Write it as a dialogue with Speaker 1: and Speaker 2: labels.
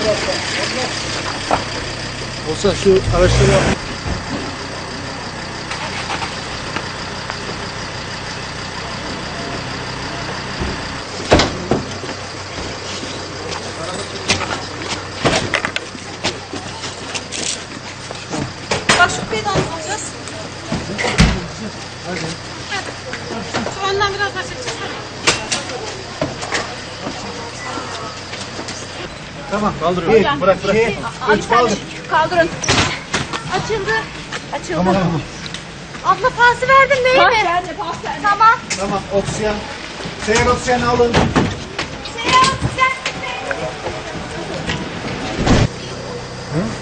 Speaker 1: Olsa şu araçları yap.
Speaker 2: Bak şu kupayı da alacağız.
Speaker 1: Hadi.
Speaker 2: Şu önden biraz daha çekeceğiz.
Speaker 1: Tamam kaldırıyorum. Bırak.
Speaker 2: Abi sen de kaldırın. Açıldı. Açıldı.
Speaker 1: Tamam.
Speaker 2: Abla pası verdin değil mi? Pas verdim. Tamam.
Speaker 1: Tamam oksijen. Seyyar oksijen alın.
Speaker 2: Seyahat sen.
Speaker 1: Hı?